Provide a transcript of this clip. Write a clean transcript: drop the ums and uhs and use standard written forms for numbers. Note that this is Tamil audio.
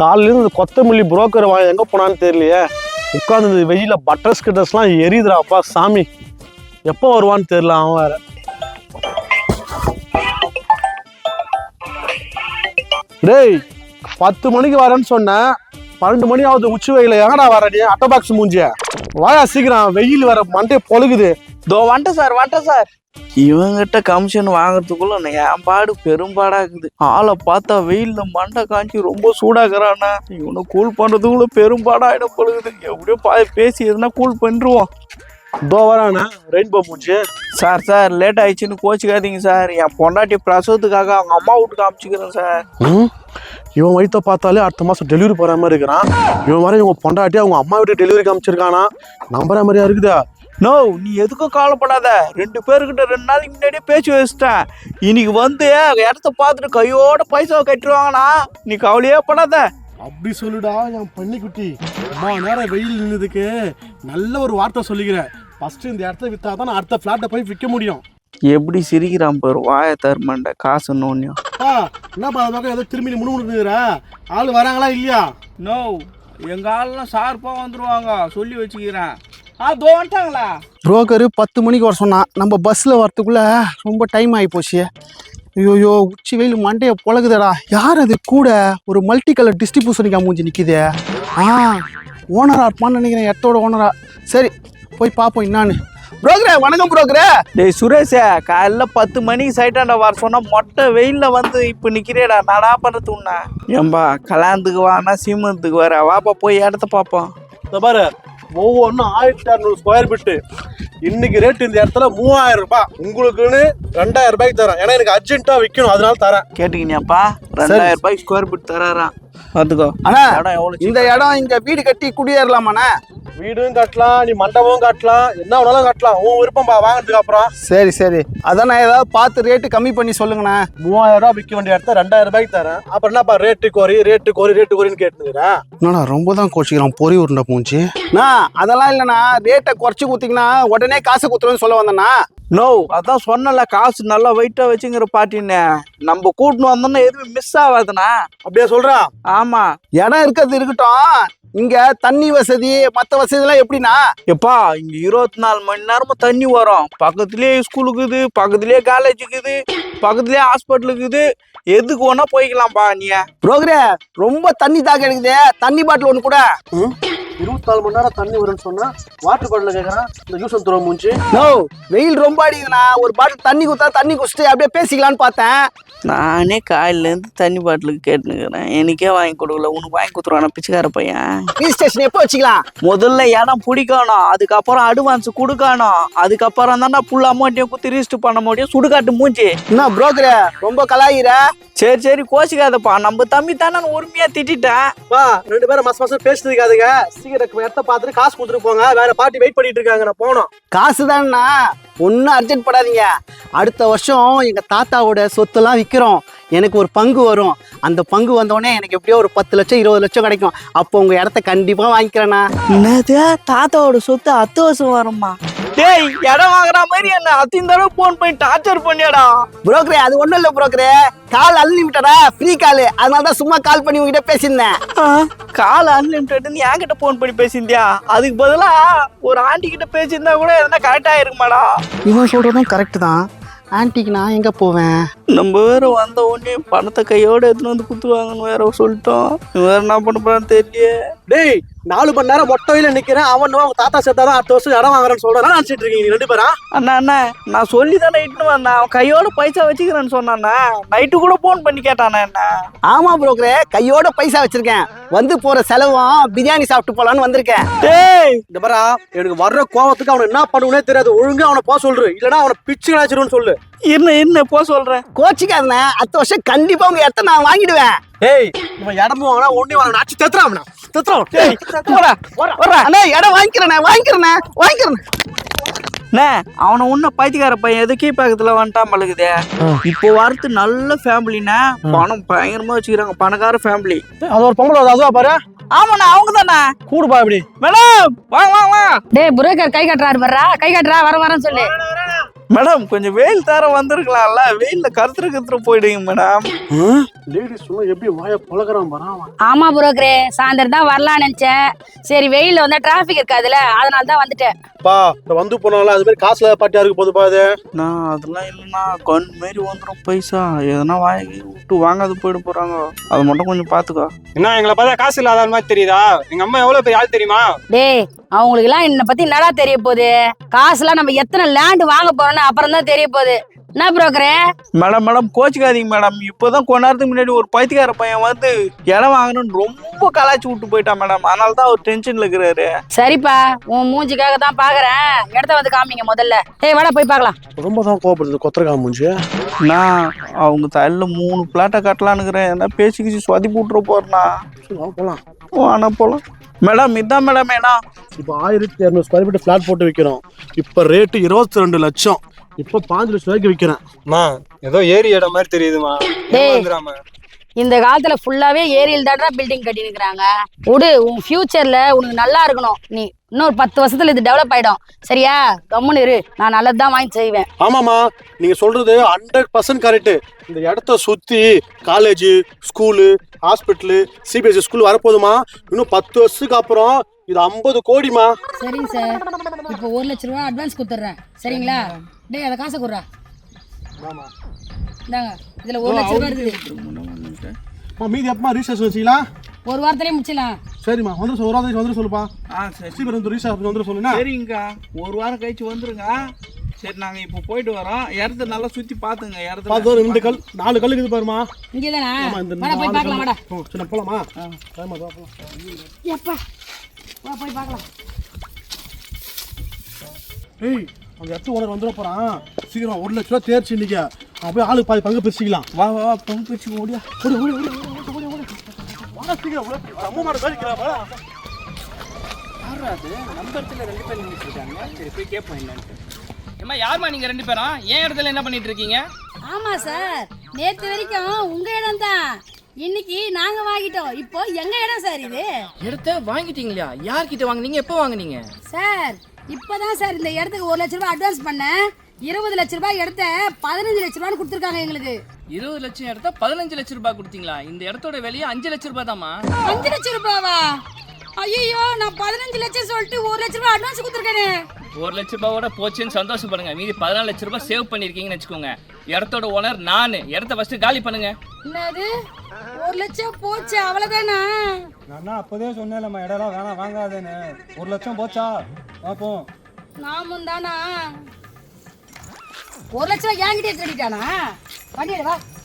காலையில இந்த கொத்தமல்லி புரோக்கர் வாங்க எங்க போனான்னு தெரியலையே. உட்காந்து வெயில பட்டர் ஸ்கிட்டர்ஸ்லாம் எரியுதுடாப்பா சாமி. எப்போ வருவான்னு தெரியல அவன் வேற. டேய் 10 மணிக்கு வரேன்னு சொன்னேன், 12 மணி ஆகுது. உச்சி வெயில எங்கடா வர நீ? அட்டை பாக்ஸ் மூஞ்சிய வாயா சீக்கிரம், வெயில் வர மண்டே பொழுகுது. தோ வந்துட்டேன் சார். இவங்கிட்ட கமிஷன் வாங்குறதுக்குள்ள என் பாடு பெரும்பாடாக்குது. ஆளை பார்த்தா வெயில்ல மண்டை காஞ்சி ரொம்ப சூடாக்குறானா. இவனை கூல் பண்றதுக்குள்ள பெரும்பாடாயிடம் பொழுகுது. எப்படியோ பேசி எதுனா கூல் பண்ணிருவோம். தோ வரானா ரெயின்போ மூஞ்சி. சார் லேட் ஆயிடுச்சுன்னு கோச்சிக்காதீங்க சார். என் பொண்டாட்டி பிரசவத்துக்காக அவங்க அம்மா வீட்டுக்கு காமிச்சிக்கிறேன் சார். இவன் வயிற்ற பார்த்தாலே அடுத்த மாதம் டெலிவரி போகிற மாதிரி இருக்கிறான். இவன் வர இவங்க பொண்டாட்டி அவங்க அம்மா வீட்டுக்கு டெலிவரி காமிச்சிருக்கானா. நம்புற மாதிரியா இருக்குதா? நோ, நீ எதுக்கும் கவலைப்படாத. 2 பேருக்கிட்ட 2 நாளைக்கு முன்னாடியே பேச்சு வச்சுட்டேன். இன்னைக்கு வந்து இடத்த பார்த்துட்டு கையோட பைசாவை கட்டிடுவாங்கண்ணா. நீ கவலையே படாத. அப்படி சொல்லுடா என் பன்னிக்குட்டி. அம்மா நேரம் வெயில் நின்றுதுக்கு நல்ல ஒரு வார்த்தை சொல்லிக்கிறேன். ஃபர்ஸ்ட் இந்த இடத்த விற்றா தான் அடுத்த ஃப்ளாட்டை போய் விற்க முடியும். எப்படி சிரிக்கிறான் பாரு, வாய தருமாண்ட காசு நோன்னியும். என்னப்பா பக்கம் ஏதோ திரும்பி முணுமுணுக்குற ஆள் வராங்களா இல்லையா? நோ, எங்க ஆள்லாம் ஷார்ப்பா வந்துருவாங்க, சொல்லி வச்சுக்கிறேன். வந்துட்டாங்களா? புரோக்கரு 10 மணிக்கு வர சொன்னான். நம்ம பஸ்ஸில் வரத்துக்குள்ள ரொம்ப டைம் ஆகி போச்சு. ஐயோயோ, உச்சி வெயில் மண்டையை பொழகுதடா. யார் அது கூட ஒரு மல்டி கலர் டிஸ்ட்ரிபியூஷனுக்கு மூஞ்சி நிற்கிது? ஓனரா இருப்பான்னு நினைக்கிறேன், இடத்தோட ஓனரா. சரி போய் பார்ப்போம் என்னான்னு. புரோக்கரே வணக்கம் புரோக்கரே. டேய் சுரேஷே, காலைல 10 மணிக்கு சைட்டாண்ட வர சொன்னா மொட்டை வெயில்ல வந்து இப்போ நிற்கிறேடா. நாடா பண்ணுறது உண்ணா? ஏம்பா கல்யாணத்துக்கு வானா சீமந்தத்துக்கு வர வாப்பா, போய் இடத்த பார்ப்போம். இந்த பாரு, ஒவ்வொன்றும் 1600 ஸ்கொயர் ஃபீட்டு. இன்னைக்கு ரேட் இந்த இடத்துல 3000 ரூபாய். உங்களுக்குன்னு 2000 ரூபாய்க்கு தரேன். ஏன்னா எனக்கு அர்ஜென்ட்டா விற்கணும், அதனால தரேன். கேட்டுக்கினியாப்பா? 2000 ரூபாய்க்கு ஸ்கொயர் ஃபீட் தராராம். பார்த்துக்கோ. அண்ணா இடம் எவ்வளோ? இந்த இடம் இங்க வீடு கட்டி குடியேறலாமாண்ணா? வீடும் கட்டலாம், நீ மண்டபமும் கட்டலாம், என்ன வேணாலும் கட்டலாம். உன் விருப்பம்பா வாங்கினதுக்கு அப்புறம். சரி அதான் நான் ஏதாவது பார்த்து ரேட்டு கம்மி பண்ணி சொல்லுங்கண்ணா. 3000 ரூபாய் விற்க வேண்டிய இடத்த 2000 ரூபாய்க்கு தரேன். அப்புறம் என்னப்பா ரேட்டு கோரின்னு கேட்டுக்கிறேன். என்னண்ணா ரொம்ப தான் கோச்சிக்கிறான் பொறி உருண்டை பூஞ்சி. அதெல்லாம் இல்லைண்ணா, ரேட்டை குறைச்சி கொடுத்தீங்கன்னா உடனே காசு கொடுத்துருவேன்னு சொல்ல வந்தேண்ணா. நோ, அதான் சொன்னல காசு நல்லா வெயிட்டா வச்சுங்கிற பாட்டின்னு. நம்ம கூட்டின்னு வந்தோம்னா எதுவும் மிஸ் ஆகாதுண்ணா. அப்படியே சொல்றா? ஆமா, இடம் இருக்கிறது இருக்கட்டும், இங்க தண்ணி வசதி மற்ற வசதி எல்லாம் எப்படின்னா? எப்பா இங்க 24 மணி நேரமும் தண்ணி வரும். பக்கத்துலயே ஸ்கூலுக்குது, பக்கத்துலயே காலேஜ் இருக்குது, பக்கத்துலயே ஹாஸ்பிட்டல் இருக்குது. எதுக்கு வேணா போய்க்கலாம்ப்பா நீ. புரோக்கரே ரொம்ப தண்ணி தாக எடுக்குது, தண்ணி பாட்டில் ஒன்று கூட. 24 மணி நேரம் தண்ணி வரும்னு சொன்னா வாட்டர் பாட்டில் கேட்கறேன். இந்த யூஸ் துறை மூஞ்சி. நோ, வெயில் ரொம்ப அடிக்குதுண்ணா. ஒரு பாட்டில் தண்ணி கொடுத்தா தண்ணி குடிச்சிட்டு அப்படியே பேசிக்கலான்னு பார்த்தேன். நானே காலையிலேருந்து தண்ணி பாட்டிலுக்கு கேட்டுனுக்கிறேன். எனக்கே வாங்கி கொடுக்கல, உனக்கு வாங்கி கொடுத்துருவானா பிச்சைக்கார பையன்? ஹில் ஸ்டேஷன் எப்போ வச்சுக்கலாம்? முதல்ல இடம் பிடிக்கணும், அதுக்கப்புறம் அட்வான்ஸ் கொடுக்கணும், அதுக்கப்புறம் தானே ஃபுல் அமௌண்ட்டையும் குத்தி ரிஜிஸ்டர் பண்ண முடியும். சுடுகாட்டு மூஞ்சி. என்ன புரோக்கரே ரொம்ப கலாயிர? சரி கோச்சிக்காதப்பா, நம்ம தம்பி தானே உரிமையா திட்டேன். வா 2 பேரும் மாசம் பேசினதுக்காதுங்க. சீக்கிரம் இடத்த பார்த்துட்டு காசு கொடுத்துட்டு போங்க. வேற பார்ட்டி வெயிட் பண்ணிட்டு இருக்காங்க, நான் போனோம். காசு தானேண்ணா, ஒன்றும் அர்ஜென்ட் படாதீங்க. அடுத்த வருஷம் எங்கள் தாத்தாவோட சொத்தெல்லாம் விற்கிறோம். எனக்கு ஒரு பங்கு வரும். அந்த பங்கு வந்தோடனே எனக்கு எப்படியோ ஒரு 10 லட்சம் 20 லட்சம் கிடைக்கும். அப்போ உங்கள் இடத்த கண்டிப்பாக வாங்கிக்கிறேண்ணா. என்னது, தாத்தாவோட சொத்து 10 வருஷம் வருமா? டேய், இடம் வாங்குற மாதிரி என்ன அத்தின் தடவை போன் பண்ணி டார்ச்சர் பண்ணியாடா. புரோக்கரே அது ஒன்றும் இல்லை புரோக்கரே, கால் அன்லிமிட்டடா, ஃப்ரீ கால். அதனால தான் சும்மா கால் பண்ணி உங்ககிட்ட பேசியிருந்தேன். கால் அன்லிமிட்டட்னு என்கிட்ட போன் பண்ணி பேசியிருந்தியா? அதுக்கு பதிலா ஒரு ஆண்டி கிட்ட பேசியிருந்தா கூட எதனா கரெக்டா இருக்குமாடா? இவன் சொல்றதும் கரெக்ட் தான். ஆன்ட்டிக்கு நான் எங்கே போவேன்? நம்ம வேற வந்த உடனே பணத்தை கையோட எடுத்துன்னு வந்து குத்துவாங்கன்னு வேற சொல்லிட்டோம். வேற என்ன பண்ண போறான்னு தெரியலையே. டேய் 4 மணி நேரம் மொட்டை வெயில நிக்கிறேன். அவன் அவங்க தாத்தா சேர்த்தாதான் அடுத்த வருஷம் இடம் வாங்குறேன்னு சொல்றேன். நினைச்சிட்டு இருக்கீங்க நீ 2 பேரா? அண்ணா நான் சொல்லி தானே இட்டுன்னு வந்தேன். அவன் கையோட பைசா வச்சுக்கிறேன்னு சொன்னாண்ணா. நைட்டு கூட போன் பண்ணி கேட்டானே என்ன. ஆமா புரோக்கரே, கையோட பைசா வச்சிருக்கேன். வந்து போற செலவும் பிரியாணி சாப்பிட்டு போலான்னு வந்திருக்கேன். டேய் இந்த பாரா, எனக்கு வர்ற கோவத்துக்கு அவனை என்ன பண்ணுவனே தெரியாது. ஒழுங்கா அவனை போக சொல்று, இல்லனா அவனை பிச்சு கிடாச்சிருன்னு சொல்லு. என்ன போ சொல்றேன். கோச்சிக்காதன, அடுத்த வருஷம் கண்டிப்பா உங்க இடத்த நான் வாங்கிடுவேன். ஏய் இவன் இடமும் வாங்கினா ஒண்ணே வாங்க நாச்சு தெத்துறான். டேய் போடா. அண்ணா இடம் வாங்கிக்கிறேன். அவனை உன்ன பைத்தியக்கார பையன் எது கீழ்பக்கத்துல வந்துட்டான் பழகுதே. இப்போ வரது நல்ல ஃபேமிலினா, பணம் பயங்கரமா வச்சுக்கிறாங்க, பணக்கார ஃபேமிலி. அது ஒரு பொம்பளை அதுவா பாரு. ஆமாண்ணா, அவங்க தானே. கூடுப்பா இப்படி. மேடம் வாங்க. டேய் புரோக்கர் கை காட்டுறாரு வர்றா, கை காட்டுறா வரேன்னு சொல்லு. மேடம் கொஞ்சம் வெயில் தர வந்திருக்கலாம்ல, வெயில்ல கருத்துரு போயிடுங்க மேடம். லேடிஸ் சொன்னா எப்படி வாய பழகிறான் பாரு. ஆமா புரோக்கரே, சாயந்தரம் தான் வரலாம்னு நினைச்சேன். சரி வெயில்ல வந்தா டிராபிக் இருக்காதுல்ல, அதனால தான் வந்துட்டேன். பா இந்த வந்து போனாலும் அது மாதிரி காசுல பாட்டியா இருக்கு போதுப்பா அது. நான் அதெல்லாம் இல்லைண்ணா, கண் மாரி வந்துடும் பைசா. எதனா வாங்கி விட்டு வாங்காது போயிட போறாங்க, அதை மட்டும் கொஞ்சம் பாத்துக்கோ. என்ன எங்களை பார்த்தா காசு இல்லாத மாதிரி தெரியுதா? எங்க அம்மா எவ்வளவு பெரிய ஆள் தெரியுமா? டேய், அவங்களுக்கு எல்லாம் என்னை பத்தி என்னடா தெரிய போகுது? காசுலாம் நம்ம எத்தனை லேண்ட் வாங்க போறோம்னு அப்புறம் தான் தெரிய போகுது. என்ன புரோக்கரே? மேடம் கோச்சிக்காதீங்க மேடம். இப்போதான் கொஞ்ச நேரத்துக்கு முன்னாடி ஒரு பைத்தியக்கார பையன் வந்து இடம் வாங்கணும்னு ரொம்ப கலாய்ச்சி விட்டு போயிட்டான் மேடம். அதனால தான் அவர் டென்ஷன்ல இருக்கிறாரு. சரிப்பா, உன் மூஞ்சிக்காக தான் பாக்குறேன். இடத்த வந்து காமிங்க முதல்ல. ஏய் வாடா போய் பார்க்கலாம். ரொம்ப தான் கோபப்படுது கொத்தரக்கா மூஞ்சி. நான் அவங்க தலையில 3 பிளாட்டை கட்டலான்னுக்கிறேன். என்ன பேசிக்கிச்சு சொதி போட்டுற போறேண்ணா. போலாம் ஆனா போலாம் மேடம். இதான் மேடம் இடம். இப்போ 1200 ஸ்கொயர் ஃபீட் ஃபிளாட் போட்டு விற்கிறோம். இப்போ ரேட்டு 22 லட்சம். இப்போ 5 லட்சம் ரூபாய்க்கு விற்கிறேன். அம்மா ஏதோ ஏரி இடம் மாதிரி தெரியுதுமா. டேய், இந்த காலத்துல ஃபுல்லாவே ஏரியில் தான்டா பில்டிங் கட்டி நிக்கிறாங்க. விடு, உன் ஃபியூச்சர்ல உனக்கு நல்லா இருக்கணும். நீ இன்னொரு 10 வருஷத்துல இது டெவலப் ஆயிடும். சரியா? கம்முன்னு இரு, நான் நல்லதுதான் வாங்கி செய்வேன். ஆமாம்மா, நீங்க சொல்றது 100% கரெக்ட். இந்த இடத்த சுத்தி college, school, hospital, CBSE school வரப்போதுமா. இன்னும் 10 வருஷத்துக்கு அப்புறம் இது 50 கோடிமா. சரிங்க சார், இப்போ 1 லட்ச ரூபா அட்வான்ஸ் கொடுத்துட்றேன். சரிங்களா? டேய், அதை காசை கொடுறா. இந்தாங்க, இதுல 1 லட்ச ரூபா இருக்குது. மீதி எப்பமா ரீசார்ஜ் வச்சுக்கலாம்? ஒரு வாரத்திலே முடிச்சிடலாம். சரிம்மா, வந்து ஒரு வாரம் வந்து சொல்லுப்பா. சரி சீக்கிரம் வந்து ரீசார்ஜ் வந்து சொல்லுங்க. சரிங்கக்கா, ஒரு வாரம் கழிச்சு வந்துருங்க. சரி, நாங்க இப்போ போயிட்டு வரோம். இடத்த நல்லா சுத்தி பாத்துங்க. இடத்த பார்த்து 2 கல் 4 கல் இருக்குது பாருமா. இங்கே தானே? ஆமா, இந்த வாடா போய் பார்க்கலாம். வாடா. சரி போலாமா? எப்பா வா போய் பார்க்கலாம். ஏய், அந்த இடத்து ஓனர் வந்துட போறான். சீக்கிரம் 1 லட்ச ரூபா தேர்ச்சி இன்னைக்கு. அப்படியே ஆளுக்கு பாதி பங்கு பிரிச்சுக்கலாம். வா பங்கு பிரிச்சு ஓடியா. சீக்கிரம் அம்மா மாட பேசிக்கலாம். ஏம்மா யாரும்மா நீங்க 2 பேரும்? ஏன் இடத்துல என்ன பண்ணிட்டு இருக்கீங்க? ஆமா சார், நேத்து வரைக்கும் உங்க இடம் தான். இன்னைக்கு நாங்க வாங்கிட்டோம். இப்போ எங்க இடம் சார் இது. இடத்த வாங்கிட்டீங்களா? யார்கிட்ட வாங்குனீங்க? எப்போ வாங்குனீங்க? சார், இப்பதான் சார் இந்த இடத்துக்கு 1 லட்ச ரூபாய் அட்வான்ஸ் பண்ணேன். 20 லட்ச ரூபாய் இடத்த 15 லட்ச ரூபான்னு கொடுத்துருக்காங்க எங்களுக்கு. 20 லட்சம் இடத்த 15 லட்சம் ரூபாய் கொடுத்தீங்களா? இந்த இடத்தோட விலையே 5 லட்சம் ரூபாய் தாமா. 5 லட்சம் ரூபாவா? ஐயோ, நான் 15 லட்சம் சொல்லிட்டு 1 லட்ச ரூபாய் அட்வான்ஸ் கொடுத்துருக்கேனே. 1 லட்சம் ரூபாயோட போச்சுன்னு சந்தோஷப்படுங்க. மீதி 14 லட்சம் ரூபாய் சேவ் பண்ணிருக்கீங்கன்னு வச்சுக்கோங்க. இடத்தோட ஓனர் நானு. இடத்த ஃபர்ஸ்ட் காலி பண்ணுங்க. என்னது 1 லட்சம் போச்சு? அவ்வளவுதானா? நான் அப்போதே சொன்னேன்லம்மா இடம்லாம் வேணாம் வாங்காதேன்னு. 1 லட்சம் போச்சா? பார்ப்போம். நாமும் தானா? 1 லட்சம் என்கிட்டயே கட்டிட்டானா? பண்ணிடு வா.